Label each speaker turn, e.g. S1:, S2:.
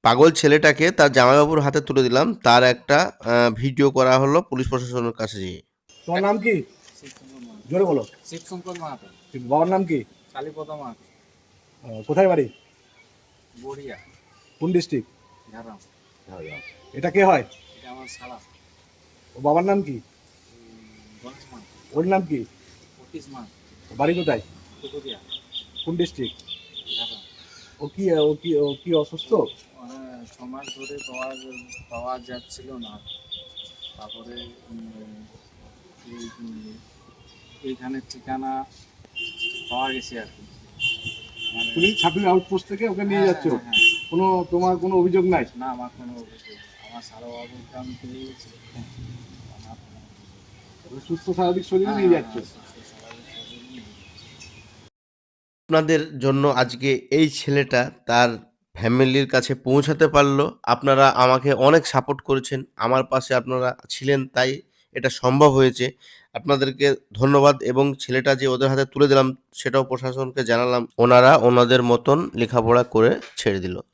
S1: পাগল ছেলেটাকে তার জামাইবাবুর হাতে তুলে দিলাম, তার একটা ভিডিও করা হলো পুলিশ প্রশাসনের কাছে যেয়ে।
S2: তোমার নাম কি?
S3: শিবশঙ্কর মাহাতো।
S2: জোরে বলো।
S3: শিবশঙ্কর মাহাতো।
S2: বাবার নাম কি?
S3: কালীপদ মাহাতো।
S2: কোথায় বাড়ি?
S3: বড়িয়া,
S2: কোন ডিস্ট্রিক্ট?
S3: ঝাড়গ্রাম।
S2: এটা কে হয়?
S3: এটা আমার শালা।
S2: ও বাবার নাম কি?
S3: গণেশ মাহাতো।
S2: ওর নাম কি?
S3: অতীশ মাহাতো।
S2: বাড়ি কোথায়?
S3: কুকুরিয়া,
S2: কোন ডিস্ট্রিক্ট?
S3: ঝাড়গ্রাম।
S2: ও কি অসুস্থ?
S3: 6 মাস ধরে পাওয়া যাচ্ছিল না। তারপরে এইখানে ঠিকানা পাওয়া গেছে আর কি। মানে
S2: তুমি ছাব্বিশ আউটপোস্ট থেকে ওকে নিয়ে যাচ্ছ?
S3: হ্যাঁ।
S2: তোমার কোনো অভিযোগ নাই?
S3: না, আমার কোনো অভিযোগ নেই। আমার শালা বাবুকে আমি পেয়ে গেছি। আমার
S2: সুস্থ স্বাভাবিক শরীরে নিয়ে যাচ্ছ?
S1: আপনাদের জন্য আজকে এই ছেলেটা তার ফ্যামিলির কাছে পৌঁছাতে পারলো। আপনারা আমাকে অনেক সাপোর্ট করেছেন। আমার পাশে আপনারা ছিলেন, তাই এটা সম্ভব হয়েছে। আপনাদেরকে ধন্যবাদ, এবং ছেলেটা যে ওদের হাতে তুলে দিলাম সেটাও প্রশাসনকে জানালাম। ওনারা ওনাদের মতন লেখাপড়া করে ছেড়ে দিল।